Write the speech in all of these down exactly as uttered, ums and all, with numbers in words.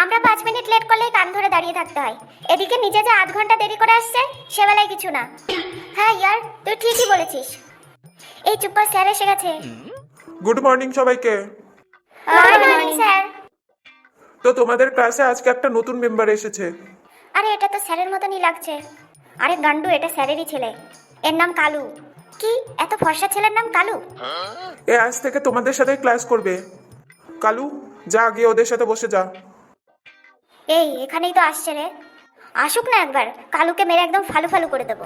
আমরা পাঁচ minute late করলেই কান ধরে দাঁড়িয়ে থাকতে হয়। এদিকে নিজে যে আধ ঘন্টা দেরি করে আসছে সে বেলায় কিছু না। হ্যাঁ ইয়ার, তুই ঠিকই বলেছিস। এই চুপ কর, স্যার এসে গেছে। গুড মর্নিং সবাইকে। Good morning sir. তো তোমাদের ক্লাসে আজকে একটা নতুন মেম্বার এসেছে। আরে এটা তো স্যারের মতনই লাগছে। আরে গান্ডু, এটা স্যারেরই ছেলে, এর নাম কালু। কি এত ফর্সা ছেলের নাম কালু? এ আজ থেকে তোমাদের সাথে ক্লাস করবে। কালু, যা গিয়ে ওদের সাথে বসে যা। এই এখানেই তো আসছে রে, আসুক না একবার, কালুকে মেরে একদম ফালু ফালু করে দেবো।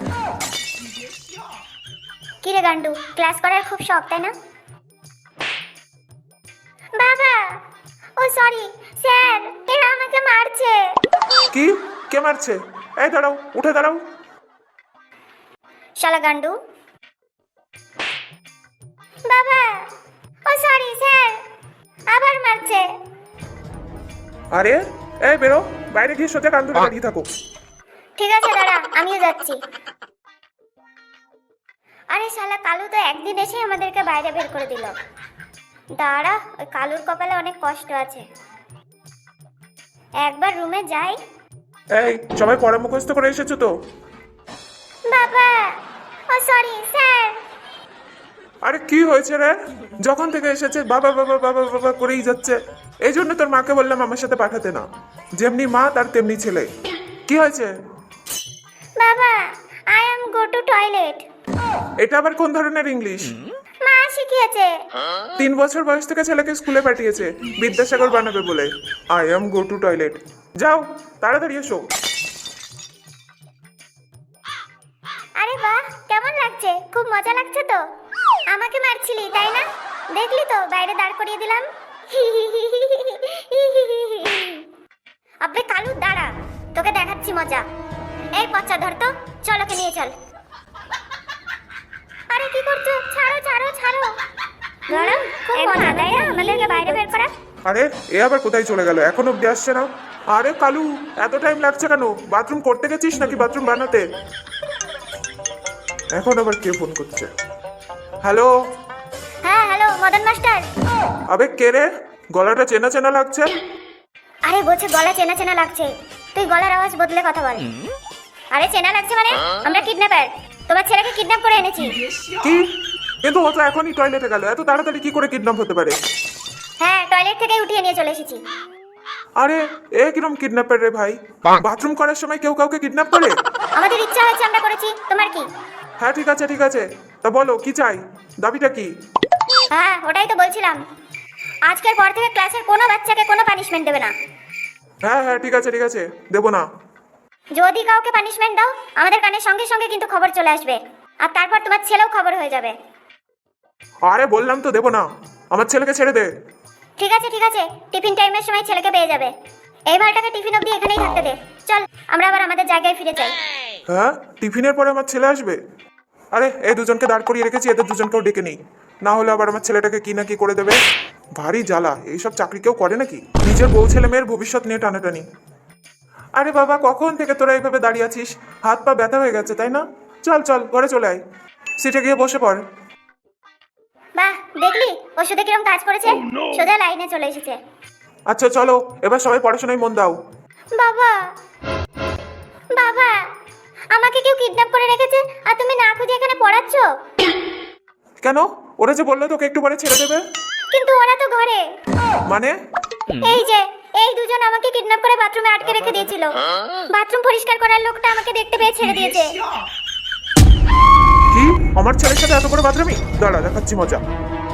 কি রে গান্ডু, ক্লাস করার খুব শখ তাই না? বাবা, ও সরি স্যার, এরা আমাকে মারছে। কি? কে মারছে? এই দাঁড়াও, উঠে দাঁড়াও। শালা গান্ডু। বাবা, ও সরি স্যার, আবার মারছে। আরে এই বেরো, বাইরে গিয়ে সোজা কান ধরে দাঁড়িয়ে থাকো। ঠিক আছে দাঁড়া, আমিও যাচ্ছি। আরে শালা কালু তো একদিন এসে আমাদেরকে বাইরে বের করে দিল। দাঁড়া, ওই কালুর কপালে অনেক কষ্ট আছে। একবার রুমে যাই। এই সবাই পড়া মুখস্থ করে এসেছো তো? বাবা, ও সরি স্যার। আরে কি হয়েছে রে? যখন থেকে এসেছে বাবা বাবা বাবা বাবা করেই যাচ্ছে। এই জন্য তোর মাকে বললাম আমার সাথে পাঠাতে না। যেমনি মা তার তেমনি ছেলে। কি হয়েছে? বাবা, I am go to toilet. এটা আবার কোন ধরনের ইংলিশ? মা শিখিয়েছে। তিন বছর বয়স থেকে ছেলেকে স্কুলে পাঠিয়েছে বিদ্যাসাগর বানাবে বলে। I am go to toilet. যাও তাড়াতাড়ি এসো। আরে বাহ, কেমন লাগছে? খুব মজা লাগছে তো? আমাকে মারছিলি তাই না? দেখলি তো বাইরে দাঁড় করিয়ে দিলাম। আবে কালু দাঁড়া, তোকে দেখাচ্ছি মজা। এই পচা ধর তো, চল ওকে নিয়ে চল। আরে কি করছো? ছাড়ো ছাড়ো ছাড়ো। গরম খুব মজা তাই না আমাদেরকে বাইরে বের করা? আরে এ আবার কোথায় চলে গেল? এখনো অব্দি আসছে না। আরে কালু, এত টাইম লাগছে কেন? বাথরুম করতে গেছিস নাকি বাথরুম বানাতে? এখন আবার কে ফোন করছে? হ্যালো। হ্যাঁ হ্যালো মদন মাস্টার। আবে কে রে? গলাটা চেনা চেনা লাগছে। আরে বলছে গলা চেনা চেনা লাগছে, তুই গলার আওয়াজ বদলে কথা বল। আরে চেনা লাগছে মানে? আমরা কিডন্যাপার, তোমার ছেলেকে কিডন্যাপ করে এনেছি। কি? কিন্তু ও তো এখনই টয়লেটে গেল, এত তাড়াতাড়ি কি করে কিডন্যাপ হতে পারে? হ্যাঁ, টয়লেট থেকে উঠিয়ে নিয়ে চলে এসেছি। আরে এ কিরম কিডন্যাপার রে ভাই? বাথরুম করার সময় কেউ কাউকে কিডন্যাপ করে? আমাদের ইচ্ছা হয়েছে আমরা করেছি, তোমার কি? হ্যাঁ ঠিক আছে ঠিক আছে, তা বলো কি চাই, দাবিটা কি? হ্যাঁ ওটাই তো বলছিলাম, আজকের পর থেকে ক্লাসের কোনো বাচ্চাকে কোনো পানিশমেন্ট দেবে না। হ্যাঁ হ্যাঁ ঠিক আছে ঠিক আছে, দেবো না। যদি কাউকে পানিশমেন্ট দাও আমাদের কানের সঙ্গে সঙ্গে কিন্তু খবর চলে আসবে, আর তারপর তোমার ছেলেও খবর হয়ে যাবে। আরে বললাম তো দেবো না, আমার ছেলেকে ছেড়ে দে। ঠিক আছে ঠিক আছে, টিফিন টাইমের সময় ছেলেকে পেয়ে যাবে। এই মালটাকে টিফিন অবধি এখানেই থাকতে দে। চল আমরা আবার আমাদের জায়গায় ফিরে যাই। হ্যাঁ, টিফিনের পরে আমার ছেলে আসবে? আরে এই দুজনকে দাঁড় করিয়ে রেখেছি, এদের দুজনকেও ডেকে নেই, না হলে আবার আমার ছেলেটাকে কি না কি করে দেবে। ভারী জ্বালা, এইসব চাকরি কেউ করে নাকি? নিজের বউ ছেলে মেয়ের ভবিষ্যৎ নিয়ে টানাটানি। আরে বাবা, কখন থেকে তোরা এইভাবে দাঁড়িয়ে আছিস? হাত পা ব্যথা হয়ে গেছে তাই না? চল চল ঘরে চলে আয়, সিটে গিয়ে বসে পড়। বাহ দেখলি ওষুধে কিরম কাজ করেছে, সোজা লাইনে চলে এসেছে। আচ্ছা চলো এবার সবাই পড়াশোনায় মন দাও। বাবা, বাবা, আমাকে কেউ কিডন্যাপ করে রেখেছে আর তুমি না খুঁজে এখানে পড়াচ্ছ? কেন? ওরা যে বললো তোকে একটু পরে ছেড়ে দেবে। কিন্তু ওরা তো ঘরে। মানে? এই যে এই দুজন আমাকে কিডন্যাপ করে বাথরুমে আটকে রেখে দিয়েছিল, বাথরুম পরিষ্কার করার লোকটা আমাকে দেখতে পেয়ে ছেড়ে দিয়েছে। কি? আমার ছেলের সাথে এত বড় বাথরুমি? দাঁড়া দেখাচ্ছি মজা।